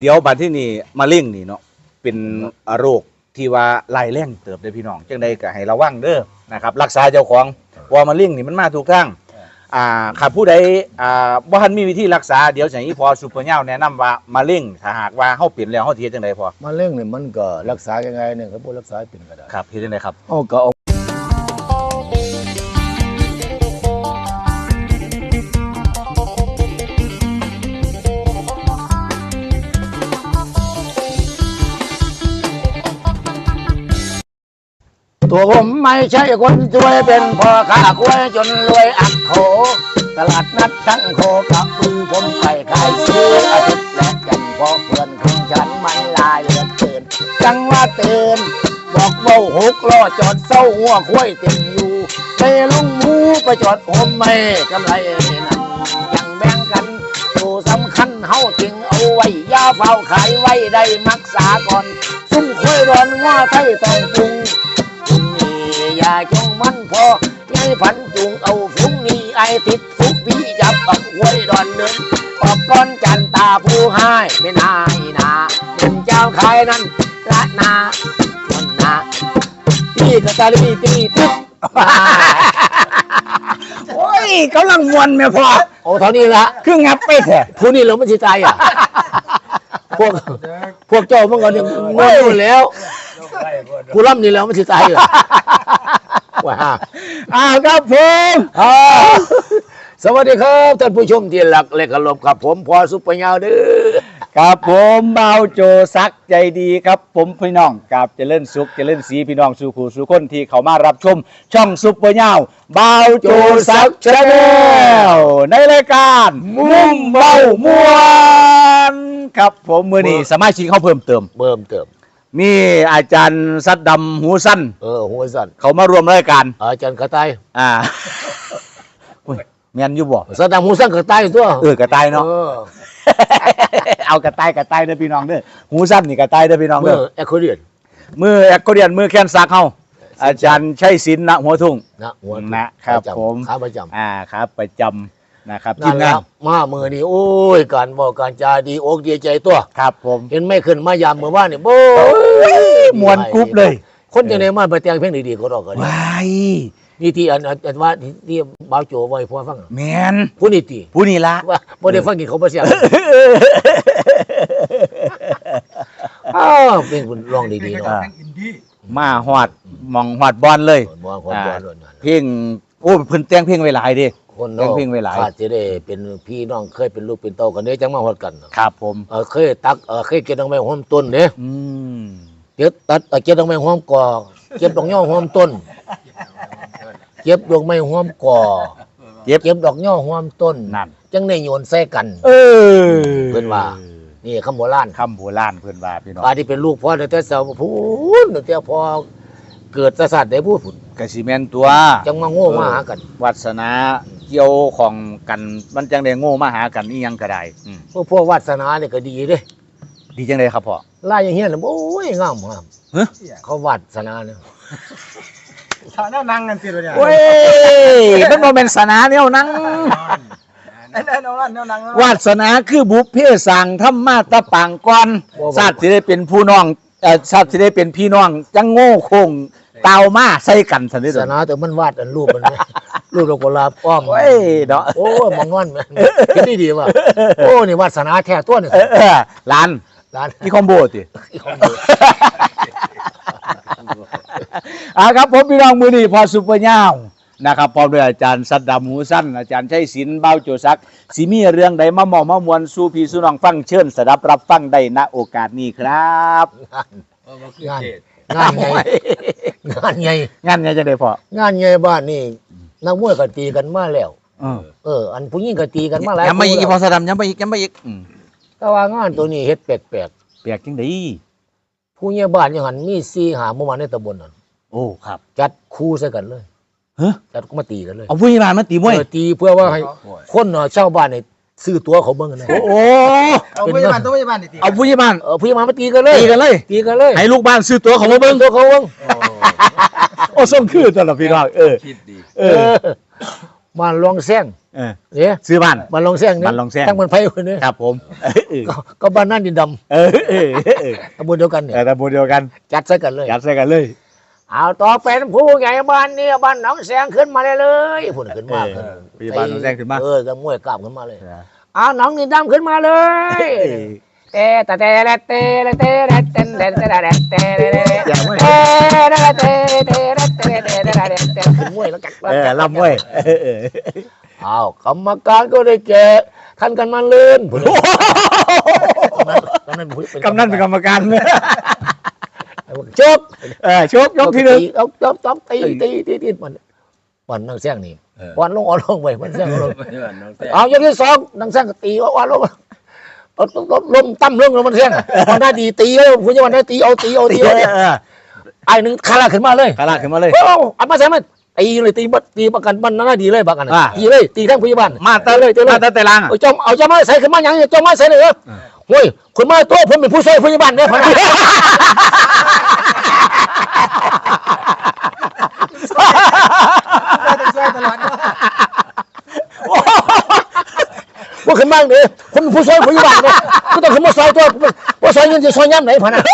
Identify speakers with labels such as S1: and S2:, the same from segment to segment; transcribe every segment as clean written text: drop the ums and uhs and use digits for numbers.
S1: เดี๋ยวบัดที่นี่มะเร็งนี่เนาะเป็นโรคที่ว่าลายแรงเติบได้พี่น้องจังใดก็ให้ระวังเด้อนะครับรักษาเจ้าของเพราะมะเร็งนี่มันมาทุกทางข้าผู้ใดบ่ทันมีวิธีรักษาเดี๋ยวสิให้พอซุปเปอร์เหย้าแนะนำว่ามะเร็งถ้าหากว่าเฮาเป็นแล้วเฮาสิเฮ็ดจังได๋พอ
S2: มะเร็งเนี่ยมันก็รักษายังไงเนี่ยเขาบอกรักษาเป็นก็ได้
S1: ครับเฮ็ดจังได๋ครับ
S2: ก็เอาตัวผมไม่ใช่คนช่วยเป็นพ่อค้ากล้วยจนรวยอักโขตลาดนัดทั้งโคกับปืนผมไปขายซื้ออาทิตย์และจันทร์เพราะเพื่อนของฉันมันลายเหลือเกินจังว่าเตือนบอกเบาหกล้อจอดเศร้าหัวคุ้ยเต็มอยู่ไปลุงหมูไปจอดผมไม่กำไรนั่นยังแบ่งกันตัวสำคัญเฮาจึงเอาไว้ยาเฝ้าขายไว้ได้มักษาก่อนซุ่มคุ้ยร้อนว่าไทยต้องปรุงอย่าจงมันพอไงพันจุงเอาฟุ้งนี้ไอติดฟุกพี่จับกับหวยดอนเดินออกก้อนจันตาผู้ให้ไม่นายนาเป็นเจ้าขายนั้นละนาวันนาพี่กระตาลีตีตึ๊บ
S1: โอ้ยกำลังมวนแม่พ่อ
S2: โอ้เท่านี้ละ
S1: คืองับไปแท้
S2: ผู้นี้เราไม่ใช่ใจอ่ะพวกเจ้าเมื่อก่อนเนี่ยงงแล้วผู้ร่ำนี่แล้วไม่ใช่ใจเหรอว้า
S1: ครับผม
S2: สวัสดีครับท่านผู้ชมที่หลักและเคารพครับผมพอซุปเปอร์เหย้าเด้อ
S1: ครับผมเบาโจซักใจดีครับผมพี่น้องกับเจริญสุขเจริญศรีพี่น้องสู่ขู่สู่คนที่เขามารับชมช่องซุปเปอร์เหย้าเบาโจซักชาแนลในรายการมุ่งเบามวนครับผมมื้อนี้สมาชิกเขาเพิ่มเติมมีอาจารย์ซัดดำหูสั้น
S2: หูสั้น
S1: เขามารวมรายการ
S2: อาจารย์กระต่าย
S1: แม่นอยู่บ่
S2: ซัดดำหูสั้นกระต่ายตัว
S1: กระต่ายเนาะเอากระต่ายเด้อพี่น้องเด้อหูสั้นนี่กระต่ายเด้อพี่น้องเด้อ
S2: แอคโคเรียน
S1: มือแค้นซักเฮาอาจารย์ชัยศิลป์ณหัวทุ่งนะครับผม
S2: ขาประจ
S1: ำครับประจำนะครับ
S2: ทีมงานมาเมื่อนี้โอ้ยการบอกการจาดีอกดีใจตัว
S1: ครับผม
S2: เห็นไม่ขึ้นมายามเมื่อวานนี่โบ้
S1: มวนกรุ๊ปเลย
S2: คนจะในมาไปแต่งเพลงดีๆก็รอกัน
S1: ว้าย
S2: นี่ที่อันว่าที่บ่าวโจไว้พอฟัง
S1: แม่น
S2: ผู้นี่ละ
S1: ว่า
S2: บ่ได้ฟังกินเขาบ่เสียเพลงคุณร้องดีๆเนาะ
S1: มาฮอดมองฮอดบอลเลยเพลงโอ้เพิ่นแต่งเพลงไว้หลายเด้
S2: คนเนาะขาดจะได้เป็นพี่น้องเคยเป็นลูกเป็นเต้ากันเด้จังมาฮอดกัน
S1: ครับผม
S2: เคยตักเคยเก็บดอกไม้หอมต้นเด้เก็บตัดเก็บดอกไม้หอมก่อเก็บดอกย่อหอมต้นเก็บดอกไม้หอมก่อเก็บดอกย่อหอมต้น
S1: นั่น
S2: จังได้โยนใส่กันเพิ่นว่านี่คำโบราณ
S1: เพิ่นว่าพี่น้อง
S2: ที่เป็นลูกพ่อแต่สาวพูนแต่พอเกิดศาสตร์ได้พูดผุน
S1: กะสิแม่นตัว
S2: จังมาโง่มาหากัน
S1: วาสนาเกี่ยวของกันมันจังได้โง่มาหากันอีหยังก็ได้
S2: พวกวาสนาเนี่ยก็ดีเด้
S1: ดีจังได๋ครับพ่อ
S2: ลายอย่างเงี้ยโอ้ยงามเขาวาสนาเนี่ย
S3: ฐานะนั่งกันสิเนี่ย
S1: โอ้ยมันบ่แม่นศาสนาแนวนั่งวาสนาคือบุพเพสร้างธรรมาตะปางก่อนชาติสิได้เป็นผู้น้องชาติสิได้เป็นพี่น้องจังโง่โคงเตามาใส่กันซั่นเด้อ
S2: ศาสนาแต่มันวาดอันรูปมันรูปดอกกุหลาบอ้อม
S1: โอ้ยเนาะ
S2: โอ้ยมองงอนแม่นคิดดีๆว่ะโอ้นี่วาสนาแท้ตัวนี่
S1: ล้านอีคอมโบติครับผมพี่น้องมื้อนี้พอซุปเปอร์เหย้านะครับพร้อมด้วยอาจารย์ซัดดำหูสั้นอาจารย์ชัยศิลป์เบาโจซักสิมีเรื่องใดมามามวลสู่พี่สู่น้องฟังเชิญสดับรับฟังได้ณโอกาสนี้ครับ
S2: งานใหญ่
S1: จังได๋พ่
S2: องานใหญ่บ้านนี่นักมวยก็ตีกันมาแล้วอันผู้หญิงก็ตีกันมาหลาย
S1: ยังไม่อีกพอซัดดำยังไม่อีก
S2: แต่ว่างานตัวนี้เฮ็ดแปลก
S1: จังได๋
S2: ผู้ใหญ่บ้านยังหันมี4-5หมู่บ้านในตำบลนั่น
S1: โอ้ครับ
S2: จัดคู่ใส่กันเลยจัดก็มาตีกันเลย
S1: เอาผู้ใหญ่บ้านมาตีมวย
S2: ตีเพื่อว่าให้คนชาวบ้านนี่ซื้อตั๋วเขาเบิ่งกันนะ
S1: โอ้
S3: เอาผู้ใหญ่บ้านตี
S1: เอาผู้ใหญ่บ้าน
S2: มาตีกันเลย
S1: ให้ลูกบ้านซื้อตั๋วเขามาเบิ่ง
S2: โอ้
S1: ส่งคือตลอดพี่น้อง
S3: คิดดี
S2: บ้านลองแซง
S1: เออ
S2: เนี่ย
S1: ซื้อบ้าน
S2: บ้านลองแซงนี่
S1: บ้านลองแซง
S2: ตั้งบ้านไผ่คนนี้
S1: ครับผมเออ
S2: ก็บ้านนั่นดินด
S1: เออเออเออ
S2: ำตำบลเดียวกันเนี่ย
S1: แต่บุเดียวกัน
S2: จัดใส่กันเลย
S1: ยัดใส่กันเลย
S2: เอาต่อเป็นผู้ใหญ่บ้านนี่บ้านหนองแสงขึ้นมาเลยพูดขึ้นมา
S1: พี่บ้านน้องแซงขึ้นมา
S2: ก็มวยกล้ามขึ้นมาเลยเอาหนองดินดำขึ้นมาเลย เตะเตะเตะเตะเตะเตะเตะเตะเตะเตะเตะเตะเตะเตะเตะเตะเตะขึ้นมวยแล้วกัน
S1: ลำเว้ย
S2: เอากรรมการก็ได้แก่ท่านกันมาเลื่อนกำนันเป็น
S1: กำนันเป็นกรรมการ
S2: จบ
S1: ชกยกที่หนึ่ง
S2: เอาจบตีมันนั่งแซงนี่วันลงอ่อนลงไปมันแซงลงเอาอย่างที่สองนั่งแซงก็ตีอ่อนลงลมตั้มลงแล้วมันแซงมันได้ดีตีแล้วคุณจะวันได้ตีเอาไอ้หนึ่งคาราขึ้นมาเลย
S1: กระลาขึ้นมาเลย
S2: เอามาใช่ไหมตีเลยตีประกันมันน่าดีเลยประกันตีเลยตีทั้งพยาบาล
S1: มาเตเลยมาเตแต่ลาง
S2: เอาจะมาใส่ขึ้นมาอย่างนี้จะมาใส่เลยเหรอเฮ้ยคุณมาตัวผมเป็นผู้ช่วยพยาบาลเนี่ยพนัก
S3: ช่วยตลอด
S2: ว่าขึ้นบ้างเนี่ยผมเป็นผู้ช่วยพยาบาลเนี่ยก็ต้องขึ้นมาซอยตัวว่าซอยเงินจะซอยย่ำไหนพนัก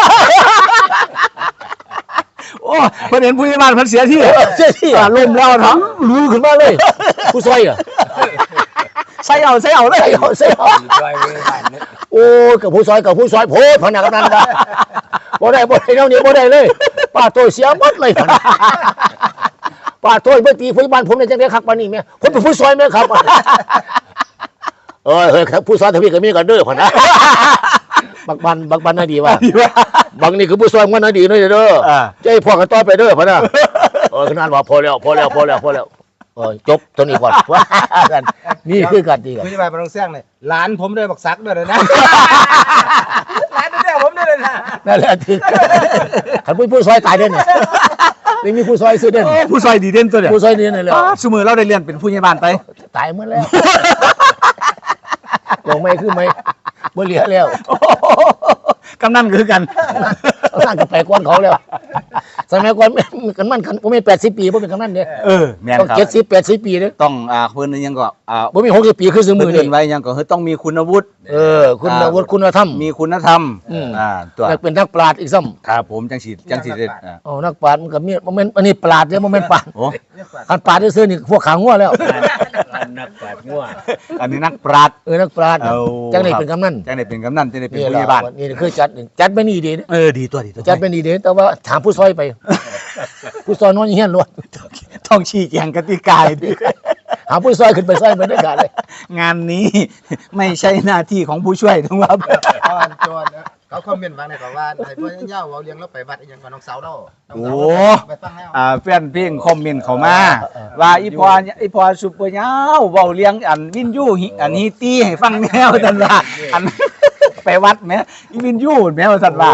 S1: โอ้เพิ่นเห็นผู้ใหญ่บ้านเพิ่นเสียที่
S2: เสียที่ลมแล้วทั้งรู้ขึ้นมาเลยผู้ช่วยอ่ะ
S1: ใส่เอาเลย
S2: ใส่โอ้กับผู้ซอยโพดพนักกำนันกันบ่ได้เท่านี้บ่ได้เลยป้าโตเสียหมดเลยพนักป้าโตเมื่อตีพยาบาลผมเนี่ยจังได้คักปานนี้แม่ผมเป็นผู้ซอยแม่ครับเฮ้ยผู้ซอยทวีก็มีกันเด้อพนักบักบันน่าดีว่ะบางนี่คือผู้ซอยมันน่าดีเด้อใจพ่อกันต่อไปเด้อพนักขนาดว่าพอแล้วจบตัวนี้ก่อนนี่คือการตีกัน
S3: ผู้ใหญ่บ้านต้องแซงเลยหลานผมด้วยบักซักด้วยนะหลานด้วยผมด้วยนะ
S2: นั่นแหละคือขันผู้ซอยตายเด่นไม่มีผู้ซอยซื้อเด่น
S1: ผู้ซอยดีเด่นตัวเดียว
S2: ผู้ซอยนี่นั่นแหละ
S1: สมือเราได้เรียนเป็นผู้ใหญ่บ้านไป
S2: ตายหมดแล้วลงไม่คือไม่บ่เหลือแล้ว
S1: กำนันคือกัน
S2: นั่งกับไปก้อนเขาแล้วสมัยก่อนกันมันผมมี80 ปีผมเป็นกำนันเนี่ย
S1: แม่น
S2: ต้อง
S1: ครับ
S2: 70-80 ปีเนี่ย
S1: ต้องเพิ่นยังก็
S2: ผมมี60 ปีคือซื้อมือ
S1: เพิ่
S2: นี่
S1: นไว้ยังก็คือต้องมีคุณวุฒิ
S2: คุณวุฒิคุณธรรม
S1: มีคุณธรรมตัว
S2: แล้วเป็นนักปราชญ์อีกซ้ำ
S1: ครับผมจังสิเด็ด
S2: นักปราชญ์มันก็มีโมเมนต์อันนี้ปราชญ์เนี่ยโมเมนต์ปราชญ์
S1: โอ้
S2: การปราชญ์ซื้อนี่พวกขางัวแล้ว
S4: นักปราชญ์งัว
S1: อันนี้นักปราชญ์
S2: นักปราชญ์จังได้เป็นกำนัน
S1: จังได้เป็นกำนันจังได้เป็น
S2: นี่
S1: ผู้
S2: แห
S1: ให
S2: ละ
S1: ญ่บ้าน
S2: นี่คือจัดไม่นี่ดีนะ
S1: ดีตัว
S2: จัดไม่นี่ดีแต่ว่าถามผู้ซอยไป ผู้ซอยนอนเฮียนล้วน
S1: ต้องชี้แจงกติกาดิ
S2: หาผู้ซอยขึ้นไปซอยไปด้วยกันเลย
S1: งานนี้ไม่ใช่หน้าที่ของผู้ช่วยทั้งว่า
S3: จวนเขาคอมเมนต์มาในบอกว่าไอ้พ่อเย่าเราเลี้ยงเราไปวัดอย่างกับน้องสาวเราไปตั้งแล้ว
S1: แฟนเพลงคอมเมนต์เข้ามาว่าอีพอซุปเปอร์ยาวเว้าเลี้ยงอันวินยูอันฮีตี้ให้ฟังแนวซั่นว่าอันไปวัดแม่อีวินยูแม่ว่าซั่นว่า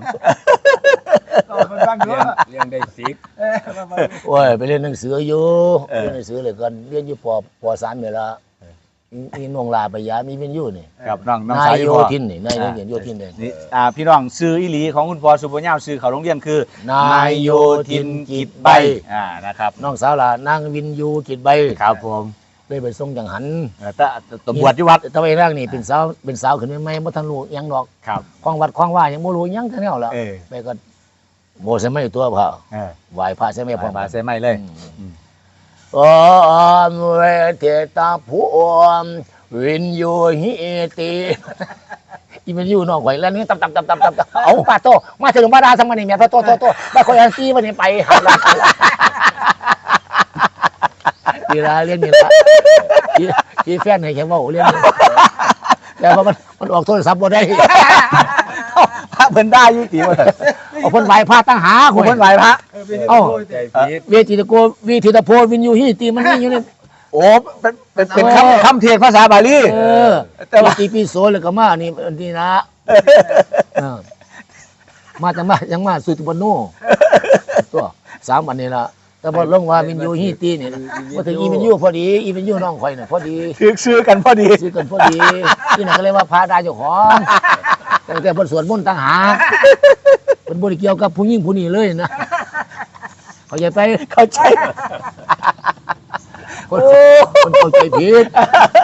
S4: เลี้ยงได้สิบ
S2: โอ้ยไปเรียนหนังสืออยู่เรียนหนังสือเลยกันเรียนอยู่ป.3เนี่ยละมีนงลาปยามีเป็นอยู่นี่
S1: กับน้อง
S2: นา
S1: สาวย
S2: โย
S1: พ่อ
S2: ธินนี่นายเรียนโยธินเลย
S1: นี่พี่น้องซื้ออีหลีของคุณพ่อซุปเปอร์ยาวซื้อเขาโรงเรียนคือน
S2: ายโยธินกิจใบ
S1: นะครับ
S2: น้องสาวล่ะนางวินยูกิจใบ
S1: ครับผม
S2: เลยไปส่งจังหัน
S1: ตบวชที่วัด
S2: ตะไว้ร่างนี่เป็นสาวขึ้นใหม่ๆบ่ทันรู้หยังดอก
S1: ครับ
S2: คลองวัดคลองว่ายังบ่รู้หยังทั้งแนวแล้ว ไปก็โมใช่ไหมตัวพระไหว้พระใช่ไหมพ่อ
S1: มาใส่ไม่เลย
S2: อมเวเทตาภูมวินยูหิติอีวินยูน้องข่อยแล้วนี่ตับเอาป้าโตมาถึงบ้านดาสังมันนี่แม่โตบ้านข่อยอันซีวันนี้ไปหาละดีละเรียนนี่ละที่แฟนให้แค่ว่าเรียนแต่ว่ามันออกโทรศัพท์บ่ได้
S1: พระเพิ่นได้ยุติว่า
S2: เอาเพิ่นไหว้พระตั้งหา
S1: คุณเพิ่นไหวพระ
S4: ใจพิษ
S2: เวทีตะโกวิธีตะโพวินยูหิติมันนี่อยู่นี่
S1: โอ้เป็นคำเทศภาษาบาลี
S2: แต่ว่าปีโซเลยก็มานี่นะมาจังมาสุตุปโนตัว3 วันนี้ละแต่พอลงว่าวินยูฮิตีเนี่ยมาถึงอีวินยูพอดีอีวินยูน้องข่อยเนี่ยพอดี
S1: ซื้อกันพอดี
S2: ซื้อกันพอดีที่นั่นก็เลยว่าพาได้เจ้าของแต่เพิ่นสวดมนต์ต่างหากเพิ่นบ่ได้เกี่ยวกับผู้หญิงผู้นี้เลยนะเข้าใจไป
S1: เข้าใจ
S2: เข้าใจผิด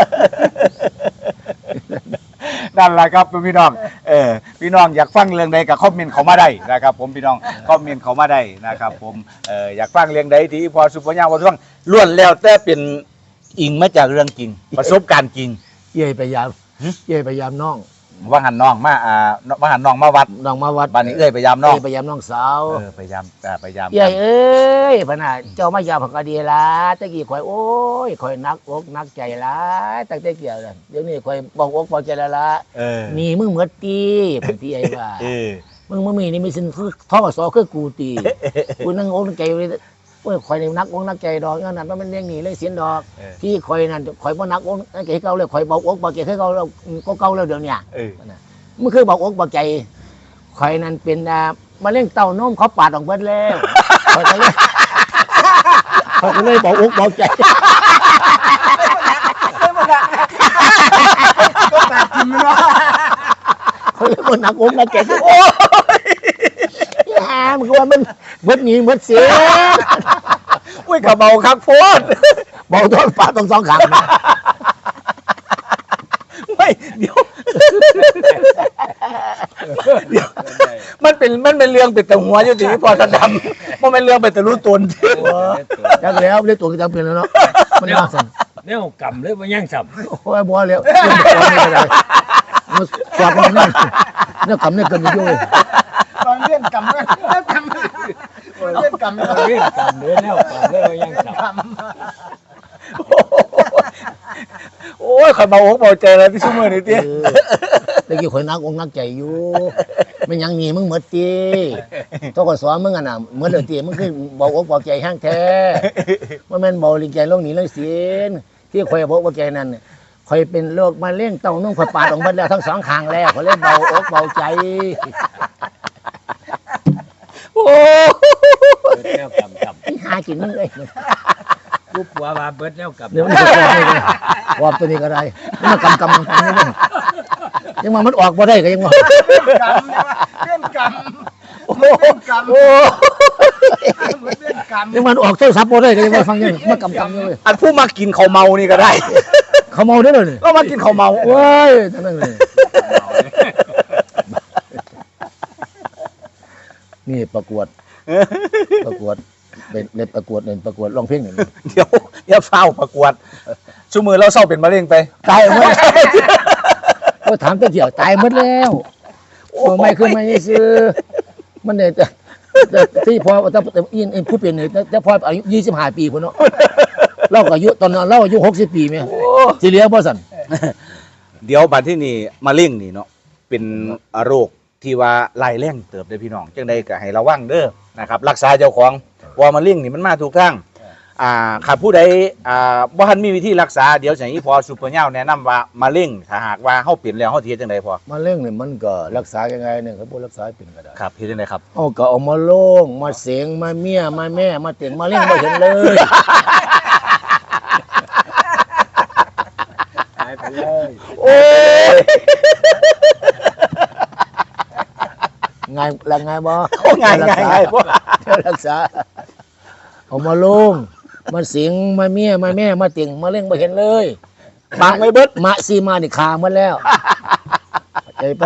S1: นั่นแหละครับพี่น้องพี่น้องอยากฟังเรื่องใดก็คอมเมนต์เข้ามาได้นะครับผมพี่น้องคอมเมนต์เข้ามาได้นะครับผมอยากฟังเรื่องใดที่พอสุปัญญาว่าฟังล้วนแล้วแต่เป็นอิงมาจากเรื่องจริงประสบการณ์จริง
S2: เย่พยายามเย่พยายามน้อง
S1: ว่าหันน้องมาว่าหันน้องมาวัด
S2: น้องมาวัด
S1: บ้านนี้พยายามน้อง
S2: พยายามน้องสาว
S1: พยายาม
S2: เย่เอ้ยพน่ะเจ้ามายามผักกะดีละตะกี้ข่อยโอ้ยข่อยนักอกนักใจละตั้งแต่เกี่ยวเลยเดี๋ยวนี้ข่อยบอกอกบอกใจละนี่มึงเหมือนตีพื้นที่ไอ้ว่ามึงมีนี่มีสินท่อสอคือกูตีกูนั่งอกนั่งใจโอ้ยข่อยนี่นักอกนักใจดอกนั่นมันเป็นเรื่องนี้เลยเสียนดอกที่ข่อยนั่นข่อยบ่นักอกนักใจเก่าเลยข่อยบอกอกบอกใจเก่าแล้วก็เก่าแล้วเดี๋ยวนี้มันคือบอกอกบอกใจข่อยนั่นเป็นมาเล่นเต้านมเขาปาดออกเบิดแล้วข่อยก็เลยบอกอกบอกใจ
S3: ก็ปากกินมันวะ
S2: เขาเลยบ่นักอกนักใจโอ้ยมันก็ว่ามันเบิดหนีเบิดเสีย
S1: อุ้ยกระเบาคักโพด
S2: บอกโดนปาดตรงสองข้างนะ
S1: ไม่เดี๋ยวมันเป็นเรื่องเป็นแต่หัวอยู่ที่พอสะดำมันเป็นเรื่องเป็นแต่รู้ตน
S2: จักแล้วเรียกตัวจังเป็นแล้วเนาะมันมาสั่น
S4: แนวกำเลยบ่ยังสับ
S2: โอ้ยบ่แล้วมันสอบมันนั่นเนี่ยกำเนี่ยกันอยู่
S3: ตอนเล่นกำเลยเล่นกำเล่นกำเลย
S4: เรื่องกำเลยแนวกำเลยบ่ยังสับ
S1: โอ้ยข่อยเบาอกเบาใจเลยพี่ชุ่มมือนี่เตี้ย
S2: ตะกี้ข่อยนักอกนักใจอยู่มันยังหนีมึงหมดตีตัวก็สอนมึงอ่ะน่ะเหมือนเดิมตีมึงคือบอกอกบอกใจห้างแท้ว่าแม่นบอกลิงใจลงหนีเลยเสียนที่ข่อยบอกบอกใจนั่นข่อยเป็นโรคมะเร็งเต้านมข่อยปาดออกมาแล้วทั้งสองข้างแล้วข่อยเลยเบาอกเบาใจ
S1: โอ้
S4: แนวกำ
S2: หากินมึงเลย
S4: กูปัวมาเบิดแนวกำ
S2: เดี๋ยวมันจะกรอบเลยกรอบตัวนี้ก็ได้มันกำนี่มึงยังมามันออกบ่ได้ก็ยังว่า
S3: เล่นกำ
S1: โอ้
S3: เล่นกำ
S1: โอ้
S3: เล่นกำ
S2: ยังมันออกโทรศัพท์บ่ได้ก็ยังว่าฟังยังมันกำอยู่เลย
S1: อันผู้มากินข้าวเมานี่ก็ได้
S2: เขาเมาได้เลย
S1: ก็มากินข้าวเมา
S2: โอ้ยทั้งนั้นเลยนี่ประกวดเป็นประกวดร้องเพลงนี่
S1: เดี๋ยวอย่าเฝ้าประกวดชุ่มมือเราเศร้าเป็นมะเร็งไป
S2: ตายหมดก็ถามตัวเดียวตายหมดแล้วโอ้ไม่คือไม่ซื้อมันเนี่ยแต่ที่พอแต่อินผู้เป็นเนี่ยแต่พออายุ25 ปีพุ่นเนาะเราก็อายุตอนนั้นเราอายุ60 ปีแม่สิเหลือบ่สั่น
S1: เดี๋ยวบัดที่นี่มะเร็งนี่เนาะเป็นโรคที่ว่าไล่แรงเติบได้พี่น้องจังใดก็ให้ระวังเด้อนะครับรักษาเจ้าของเพราะว่ามะเร็งนี่มันมาทุกทางขาดผู้ใดบ่ทันมีวิธีรักษาเดี๋ยวอย่างนี้พอซุปเปอร์เน่าแนะนำว่ามะเร็งถ้าหากว่าเฮาเป็นแล้วเฮาสิเฮ็ดจังไดพอ
S2: มะเร็งเนี่ยมันก็รักษายังไงเนี่ยเขาบ่รักษาเป็นก็ได้
S1: ครับเฮ็ดจังไดครับ
S2: เอาก็เอามาโล่งมาเสียงมาเมียมาแม่มาเต็งมาเลี้ยงบ่เห็นเลย
S4: หายไปเลย
S1: โอ้ย
S2: ง่ายละง่ายบ่
S1: ง่ายพวก
S2: รักษาเอามาโล่งมาเสียงมาเมียมาแม่มาเต็งมาเลี้ยงบ่เห็นเลย
S1: บางไว้เบิด
S2: มาซีมานี่ขาหมดแล้วใจไป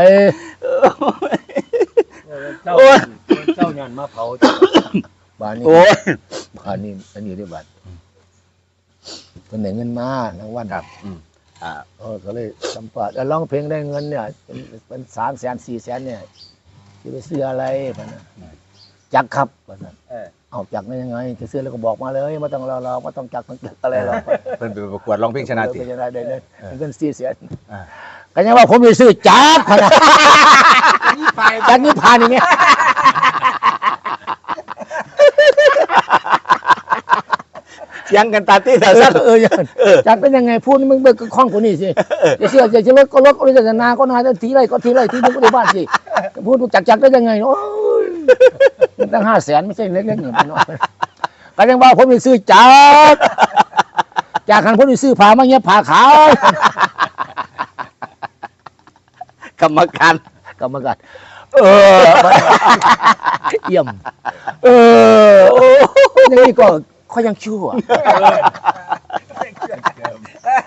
S4: เจ้าเจ้ายันมาเผา
S2: บ้านนี้
S1: โอ้ย
S2: บ้านนี้อันนี้ได้บัตรเพิ่นได้เงินมารางวัล
S1: ครับ
S2: ก็เลยสัมภาษณ์แล้วร้องเพลงได้เงินเนี่ยเป็น300,000 400,000เนี่ยจะไปซื้ออะไรพันนะจักรครับพันนะเอาจักรได้ยังไงจะซื้อแล้วก็บอกมาเลยไม่ต้องรอไม่ต้องจักรต้องจักรอะไรหรอก
S1: เพิ่นไปประกวดร้องเพลงชนะติ
S2: เป็นชนะได้เลยเงิน400,000ก็ยังว่าผมไปซื้อจักรพันนะจักรนี่ผ่านอย่างเงี้ย
S1: เสียงกันตาตี้ตาสั้น
S2: จักรเป็นยังไงพูดมึงเบิกคล้องคนนี้สิจะเชื่อจะรถก็รถจะนาก็นาจะทีไรก็ทีไรที่มึงก็ได้บ้านสิพูดจักรได้ยังไงโอ้ยตั้ง500,000ไม่ใช่เล็กๆเนี่ยน้อยก็ยังว่าผมไปซื้อจักรจากคันผมไปซื้อผ้ามาเงี้ยผ้าขาว
S1: กรรมการ
S2: เยี่ยมอย่างนี้ก็เขายังชั่ว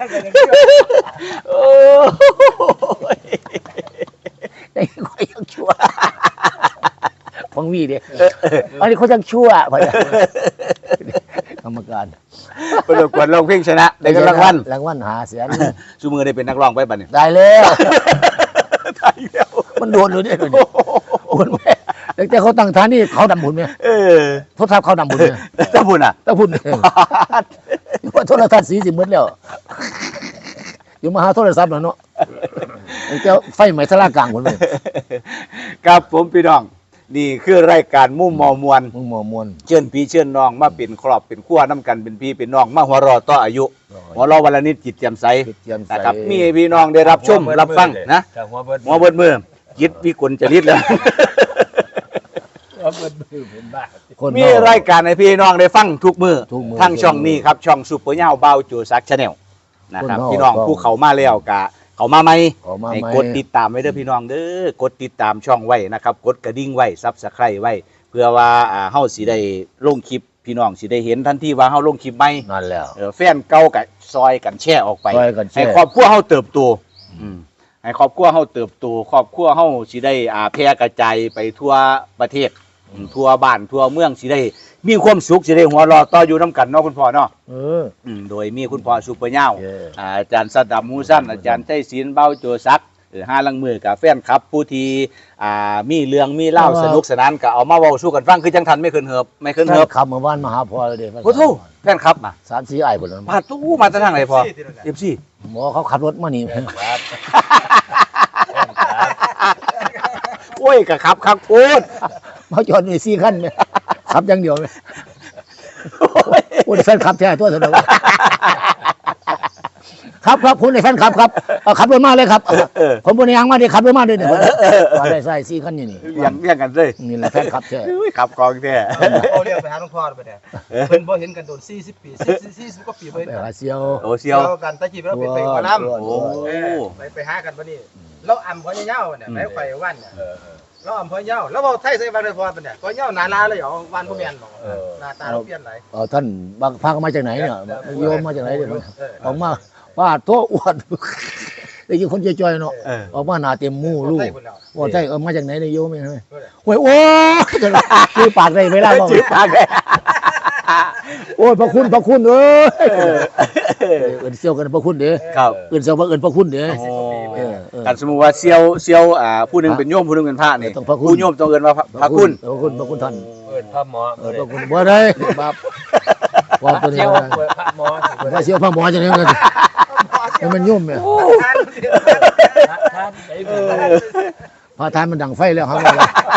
S1: โอ้ย
S2: ไอ้คนยังชั่วฟังวีดิอันนี้เขายังชั่วพอดีกรรมการ
S1: ประกวดร้องเพลงชนะได้เงินรางวัล
S2: รางวัลหาเสียน
S1: ชูมือได้เป็นนักร้องไปบัดนี้
S2: ได้แล้ว
S1: ได้แล้ว
S2: มันโดนเลยเนี่ยโอนแม่แต่เขาตั้งฐานนี่เขาดำบุญไหม
S1: เออ
S2: โทรศัพท์เขาดำบุญไหม
S1: เจ้าบุญอ่ะ
S2: ตะบุญว่าโทรทัศน์สีสิหมดแล้วอยู่มาหาโทรศัพท์แล้วเนาะแต่ไฟไหม้สลากลางคนเลย
S1: ครับผมพี่น้องนี่คือรายการมุ่มมอมวล
S2: มึงหมอมวน
S1: เชิญพี่เชิญน้องมาเป็นครอบเป็นครัวน้ำกันเป็นพี่เป็นน้องมาหัวเรอต่ออายุหัวเรอวันละนิดจิตแจ่มใส
S2: เตรียมใส่
S1: นะครับมีให้พี่น้องได้รับชมรับฟังนะ
S4: แต่หัวเบิด
S1: หัวเบิดมือจิตวิกลจริตแล้ว
S4: หัวเบิดมือเป็นบ้า
S2: คน
S1: มีรายการให้พี่น้องได้ฟังทุกมือ
S2: ทุกมื้อ
S1: ทั้งช่องนี้ครับช่องซุปเปอร์เน่าเบาโจซักชาแนลนะครับ
S2: คนนอก
S1: พี่น้องผู้เขามาแล้วกะเขามาไหม
S2: ออกมา
S1: ให้
S2: ไหม
S1: กดติดตามไว้เด้อพี่น้องเด้อกดติดตามช่องไว้นะครับกดกระดิ่งไว้ซับสไครต์ไว้ เพื่อว่าเฮาสิได้ลงคลิปพี่น้องสิได้เห็นทันทีว่าเฮาลงคลิปใหม่
S2: นั่นแล้ว
S1: แฟนเก่ากับซอยกันแชร์ออกไป
S2: ซอยกันแชร์
S1: ให้ครอบครัวเฮาเติบโตให้ครอบครัวเฮาเติบโตครอบครัวเฮาสิได้แพร่กระจายไปทั่วประเทศทั่วบ้านทั่วเมืองสิได้มีความสุขสิได้หัวเราะต่ออยู่นํกันเนาะคุณพ่อเนาะ
S2: เออ
S1: โดยมีคุณพ่อซุปเปอร์เน่า
S2: เย้
S1: อาจารย์สดับมูสั้นอาจารย์ไต้ศิลป์เบ้าโจซักห้าลังมือกับแฟนครับ ผู้ที่มีเรื่องมีเล่าสนุกสนานก็เอามาเว้าสู้กันฟังคือจังทันไม่เคินเหิบไม่เคิน
S2: แฟ
S1: เหิ
S2: น
S1: บ
S2: ขับมาบ้านมาหาพ่อเลยเด้
S1: โอ้โหแฟนครับมา
S2: 3-4อ้ายพุ่นแล้ว
S1: พาตู้มาแต่ทางไหนพอเอฟซี
S2: หมอเขาขับรถมานี่
S4: ครับ
S1: โอ้ยกะครับครับโคตร
S2: มาจอดนี่4คันแม่ขับอย่างเดียวแม่โอ้ยแฟนขับแท้ตัวเถอะครับคุณในแฟนขับครับขับรถมาเลยครับผมบนยางมาดิขับรถมาด้วยเนี่ยว่าได้ใส่4คันอยู่นี่
S1: เลี้ยงกันเลย
S2: นี่แหละแฟนขับแท้
S1: อุ้ยขับกองแท้
S3: เอาเรียกไปหาหลวงพ่อไปเนี่ยเพิ่นบ่เห็นกันโดน40 ปี40กว่าปีบ่เห็น
S2: ไป
S3: กัน
S2: หาเซียว
S1: โอ้เซียว
S3: กันตะกี้เราไปหัวลำ
S1: โอ้
S3: ไปหากันบ่นี่เราอ่ำพ่อยาวเนี่ยไปไฟวันเนี่ยเราอ่ำพ่อยาวแล้วเว้าไทยใส่บ้านเลยพอปะเนี่ยพ่อยาวหน้าลาเลยเหรอวันบ่แม่นบ่หน้าตาเราเปลี่ยนหลาย
S2: ท่านบางพามาจากไหนเนี่ยโยมมาจากไหนเนี่ยออกมาว่าโตอ้วนได้ยินคนจอยๆเนาะออกมาหน้าเต็มมูลูกว่าใช่มาจากไหนเนี่ยโยมไม่ใช่โอ้ยโอ้ยชื่อปากได้ไม่ล่ะบ่
S1: ชื่อปากเลย
S2: โอ้ยพระคุณเอ้ยเอิ้นเซียวกันพระคุณเด้
S1: ครับ
S2: เอิ้นเซียวว่าเอิ้นพระคุณเด้
S1: กันสมมุติว่าเซียวผู้หนึงเป็นโยมผู้หนึงเป็นพระนี่
S2: ต้องพระคุณ
S1: ผู้โยมต้องเอิ้นว่าพระคุณ
S2: พระคุณท่าน
S4: เปิดพระหมอ
S2: พระคุณบ่ได้บาปว่าตัวนี้
S4: เที่ยวเปิดพระหมอ
S2: ว่าเซียวพระหมอจังได๋กันให้มันยุ่มเนี่ย
S4: ท่านไอ้
S2: พระทานมันดังไฟแล้วครับ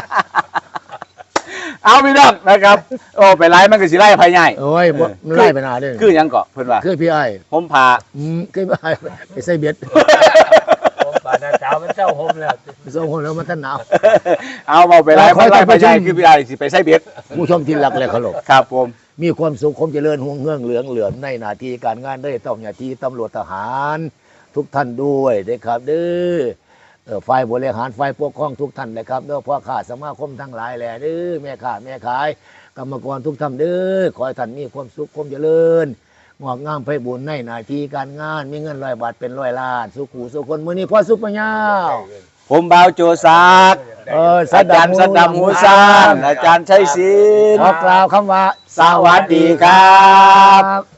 S1: เอาพี่น้องนะครับโอ้ไปไล่มันก็สิไล่ภายใหญ่
S2: โอ้ยมันไล่ไปหน้าเด้
S1: คือหยังเกาะเพิ่นว่า
S2: คือพี่อ้าย
S1: ผมพา
S2: คือพี่อ้ายไปใส่เบ็ด
S4: ผมป่านาเจ้ามันเจ้าห่มแล้ว
S2: ไปส่งคนแล้วมันท่านหนาว
S1: เอาเบาไปไล่
S2: ขอ
S1: มันไล่
S2: ให้
S1: ภายใหญ่
S2: ท่านผู้ชม
S1: คือพี่ไอ้สิไปใส่เบ็ด
S2: ผู้ชมที่รักและเคารพ
S1: ครับผม
S2: มีความสุขคมเจริญห่วงเงื่องเหลืองเหลือมในหน้าที่การงานได้ต้องหน้าที่ตำรวจทหาร ทุกท่านด้วยนะครับเด้อฝ่ายบริหารฝ่ายปกครองทุกท่านนะครับเด้อพ่อข้าสมาคมทั้งหลายแหละเด้อแม่ข้าแม่ขายกรรมกรทุกท่านเด้อขอให้ท่านมีความสุขคมเจริญงอกงามไพบูลย์ในหน้าที่การงานมีเงิน100 บาทเป็น100 ล้านสุขูสุคนมื้อนี้พ่อซุปเปอร์ยาว
S1: ผมบ่าวโจซักอาจารย์สดัมหูซานอาจารย์ชัยศิลป์
S2: ขอกล่าวคำว่า
S1: สวัสดีครับ